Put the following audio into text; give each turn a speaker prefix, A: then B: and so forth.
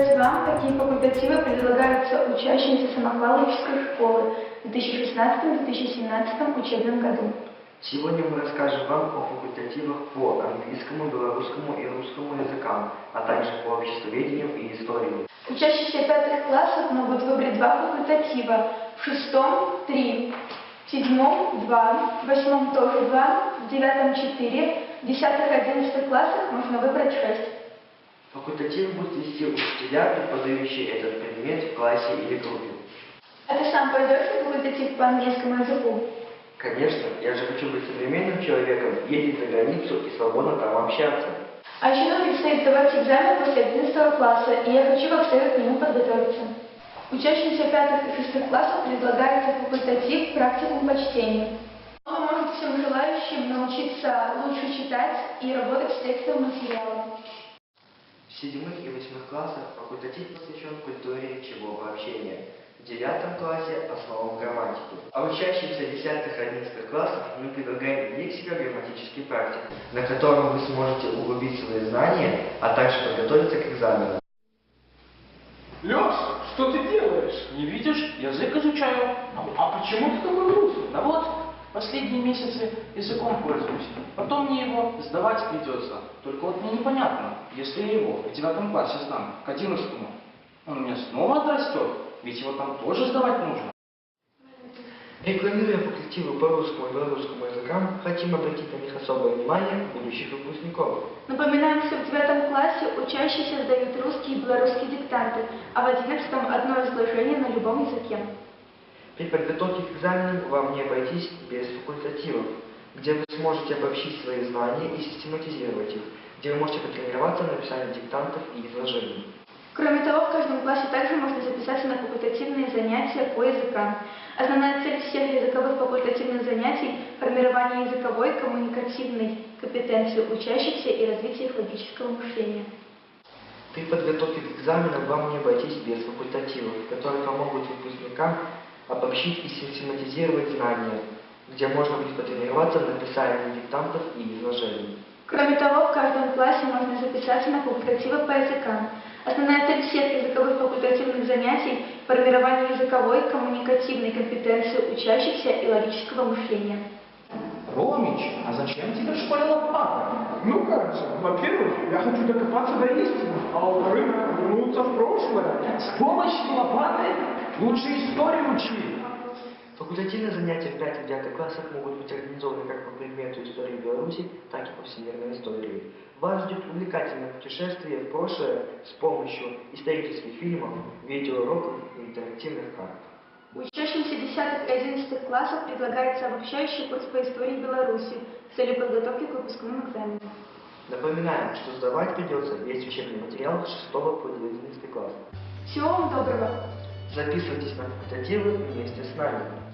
A: рассказать вам, какие факультативы предлагаются учащимся самохваловической школы в 2016-2017 учебном году.
B: Сегодня мы расскажем вам о факультативах по английскому, белорусскому и русскому языкам, а также по обществоведению и истории.
A: Учащиеся пятых классов могут выбрать два факультатива. В шестом – 3, в седьмом – 2, в восьмом тоже 2, в девятом – 4, в 10-11 классах можно выбрать 6.
B: Факультатив будут вести учителя, преподающие этот предмет в классе или группе.
A: А ты сам пойдешь на факультатив по английскому языку?
B: Конечно, я же хочу быть современным человеком, ездить за границу и свободно там общаться.
A: А еще нам предстоит сдавать экзамен после 11 класса, и я хочу как следует к нему подготовиться. Учащимся 5 и 6 классов предлагается факультатив «Практикум по чтению». Он поможет всем желающим научиться лучше читать и работать с текстовым материалом.
B: В 7 и 8 классах факультатив посвящен культуре речевого общения. В 9 классе – основам грамматики. А учащимся 10-11 классов мы предлагаем лексико-грамматический практик, на котором вы сможете углубить свои знания, а также подготовиться к экзаменам.
C: Леша, что ты делаешь?
D: Не видишь? Язык изучаю.
C: А почему ты такой грустный?
D: Да вот, последние месяцы языком пользуюсь. Потом мне его сдавать придется. Только вот мне непонятно, если я его в 9 классе сдам, к 11-му, он у меня снова отрастет, ведь его там тоже сдавать нужно.
B: Рекламируя факультативы по русскому и белорусскому языкам, хотим обратить на них особое внимание будущих выпускников.
A: Напоминаем, что в 9 классе учащиеся сдают русские и белорусские диктанты, а в 11 одно изложение на любом языке.
B: При подготовке к экзаменам вам не обойтись без факультативов, где вы сможете обобщить свои знания и систематизировать их, где вы можете потренироваться на написании диктантов и изложений.
A: Кроме того, в каждом классе также можно записаться на факультативные занятия по языкам. Основная цель всех языковых факультативных занятий – формирование языковой коммуникативной компетенции учащихся и развитие их логического мышления.
B: При подготовке к экзаменам вам не обойтись без факультативов, которые помогут выпускникам обобщить и систематизировать знания, где можно будет потренироваться на написании диктантов и изложений.
A: Кроме того, в каждом классе можно записаться на факультативы по языкам. Основная цель всех языковых факультативных занятий – формирование языковой коммуникативной компетенции учащихся и логического мышления.
D: Ромич, а зачем тебе в школе лопата?
C: Ну как же, во-первых, я хочу докопаться до истины, а во-вторых, вернуться в прошлое.
D: С помощью лопаты лучше историю учи.
B: Факультативные занятия в 5 и 9 классах могут быть организованы как по предмету истории Беларуси, так и по всемирной истории. Вас ждет увлекательное путешествие в прошлое с помощью исторических фильмов, видеоуроков и интерактивных карт.
A: Учащимся 10 и 11 классов предлагается обобщающий курс по истории Беларуси с целью подготовки к выпускным экзаменам.
B: Напоминаем, что сдавать придется весь учебный материал с 6 по 11 класс.
A: Всего вам доброго!
B: Записывайтесь на факультативы вместе с нами.